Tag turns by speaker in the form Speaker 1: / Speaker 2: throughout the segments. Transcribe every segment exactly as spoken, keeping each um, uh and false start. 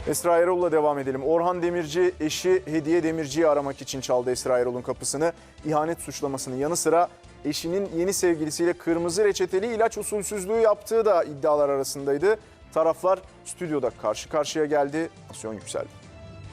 Speaker 1: Esra Erol'la devam edelim. Orhan Demirci eşi Hediye Demirci'yi aramak için çaldı Esra Erol'un kapısını. İhanet suçlamasının yanı sıra eşinin yeni sevgilisiyle kırmızı reçeteli ilaç usulsüzlüğü yaptığı da iddialar arasındaydı. Taraflar stüdyoda karşı karşıya geldi. Tansiyon yükseldi.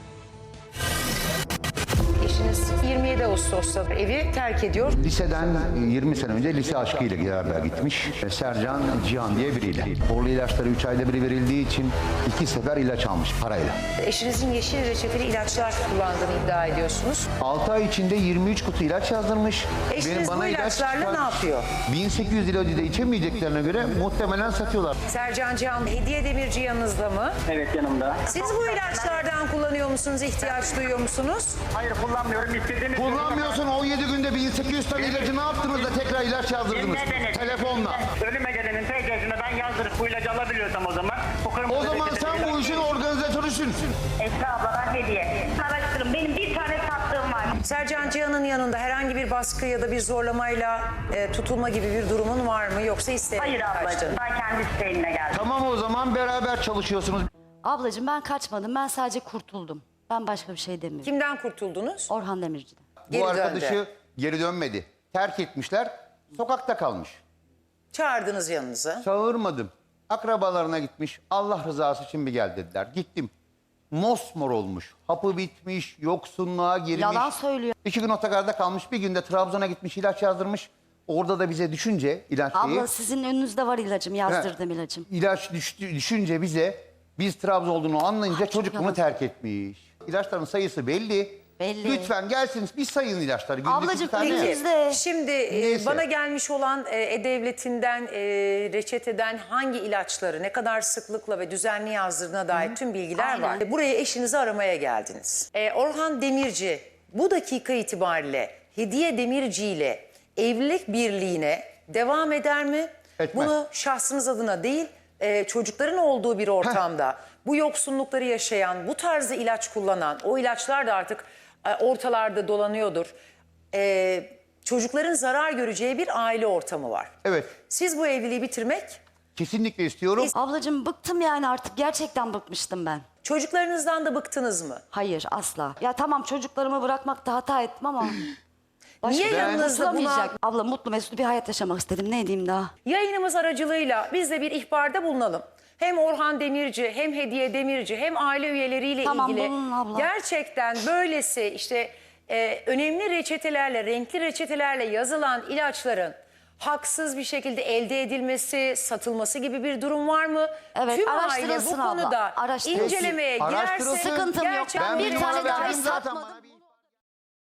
Speaker 2: Eşiniz yirmi yedi Ağustos'ta evi terk ediyor.
Speaker 3: Liseden yirmi sene önce lise aşkıyla beraber gitmiş. Sercan Cihan diye biriyle. Borlu ilaçları üç ayda bir verildiği için iki sefer ilaç almış parayla.
Speaker 2: Eşinizin yeşil reçeteli ilaçlar kullandığını iddia ediyorsunuz.
Speaker 3: altı ay içinde yirmi üç kutu ilaç yazdırmış.
Speaker 2: Eşiniz bu ilaçlarla ne yapıyor?
Speaker 3: bin sekiz yüz ilacı da içemeyeceklerine göre muhtemelen satıyorlar.
Speaker 2: Sercan Cihan, Hediye Demirci yanınızda mı?
Speaker 4: Evet, yanımda.
Speaker 2: Siz bu ilaçlardan kullanıyor musunuz? İhtiyaç duyuyor musunuz?
Speaker 4: Hayır, kullanmıyorum. İstediğiniz
Speaker 3: Kullanmıyorsun, on yedi günde bin sekiz yüz tane ilacı ne yaptınız da tekrar ilaç yazdırdınız?
Speaker 4: Dinlediniz.
Speaker 3: Telefonla.
Speaker 4: Ölüme gelenin T C'sine ben yazdırıp bu ilacı alabiliyorsam o zaman.
Speaker 3: O zaman sen bu işin organizatörüsün.
Speaker 5: Esra abla ben hediye. Araştırın, benim bir tane sattığım var.
Speaker 2: Sercan Cihan'ın yanında herhangi bir baskı ya da bir zorlamayla e, tutulma gibi bir durumun var mı? Yoksa isteyerek
Speaker 5: Hayır
Speaker 2: mi
Speaker 5: ablacığım,
Speaker 2: kaçtın?
Speaker 5: ben kendi isteğimle geldim.
Speaker 3: Tamam, o zaman beraber çalışıyorsunuz.
Speaker 6: Ablacığım ben kaçmadım. Ben sadece kurtuldum. Ben başka bir şey demiyorum.
Speaker 2: Kimden kurtuldunuz?
Speaker 6: Orhan Demirci'den.
Speaker 2: Geri
Speaker 3: Bu arkadaşı
Speaker 2: döndü.
Speaker 3: geri dönmedi. Terk etmişler. Sokakta kalmış.
Speaker 2: Çağırdınız yanınıza.
Speaker 3: Çağırmadım. Akrabalarına gitmiş. Allah rızası için bir gel dediler. Gittim. Mosmor olmuş. Hapı bitmiş. Yoksunluğa girmiş.
Speaker 6: Yalan söylüyor.
Speaker 3: İki gün otogarda kalmış. Bir günde Trabzon'a gitmiş, ilaç yazdırmış. Orada da bize düşünce ilaç şeyi.
Speaker 6: Abla sizin önünüzde var ilacım. Yazdırdım ilacım.
Speaker 3: İlaç düştü, düşünce bize, biz Trabzon olduğunu anlayınca
Speaker 6: Ay, çok
Speaker 3: çocuk bunu
Speaker 6: yalan.
Speaker 3: terk etmiş. İlaçların sayısı belli.
Speaker 6: Belli.
Speaker 3: Lütfen gelsin, bir sayın ilaçları. Günlük
Speaker 6: Ablacığım,
Speaker 3: bir tane.
Speaker 6: peki. Biz de-
Speaker 2: Şimdi e,
Speaker 3: Neyse.
Speaker 2: bana gelmiş olan e, E-Devleti'nden e, reçeteden hangi ilaçları ne kadar sıklıkla ve düzenli yazdırdığına dair tüm bilgiler
Speaker 6: Aynen.
Speaker 2: var. Buraya eşinizi aramaya geldiniz. E, Orhan Demirci bu dakika itibariyle Hediye Demirci ile evlilik birliğine devam eder mi?
Speaker 3: Etmez.
Speaker 2: Bunu şahsınız adına değil, e, çocukların olduğu bir ortamda bu yoksunlukları yaşayan, bu tarzı ilaç kullanan, o ilaçlar da artık e, ortalarda dolanıyordur. E, çocukların zarar göreceği bir aile ortamı var.
Speaker 3: Evet,
Speaker 2: Siz bu evliliği bitirmek,
Speaker 3: kesinlikle istiyorum.
Speaker 6: Ablacığım bıktım yani artık. Gerçekten bıkmıştım ben.
Speaker 2: çocuklarınızdan da bıktınız mı?
Speaker 6: Hayır, asla. Ya tamam, çocuklarımı bırakmakta hata ettim ama... Başka
Speaker 2: Niye
Speaker 6: bir
Speaker 2: yanınızda buna-
Speaker 6: kurtulamayacak. Abla mutlu mesut bir hayat yaşamak istedim. Ne diyeyim daha?
Speaker 2: Yayınımız aracılığıyla biz de bir ihbarda bulunalım. Hem Orhan Demirci, hem Hediye Demirci, hem aile üyeleriyle
Speaker 6: Tamam,
Speaker 2: ilgili
Speaker 6: bulunun abla.
Speaker 2: gerçekten böylesi işte e, önemli reçetelerle, renkli reçetelerle yazılan ilaçların haksız bir şekilde elde edilmesi, satılması gibi bir durum var mı?
Speaker 6: Evet,
Speaker 2: Tüm aile bu
Speaker 6: araştırılsın abla,
Speaker 2: konuda
Speaker 6: araştırılsın.
Speaker 2: incelemeye girerse
Speaker 3: Araştırılsın.
Speaker 6: Sıkıntım yok.
Speaker 2: gerçekten
Speaker 6: Ben bir
Speaker 3: bir
Speaker 6: tane
Speaker 3: numara
Speaker 6: daha
Speaker 3: verdim zaten
Speaker 6: satmadım.
Speaker 3: bana bir-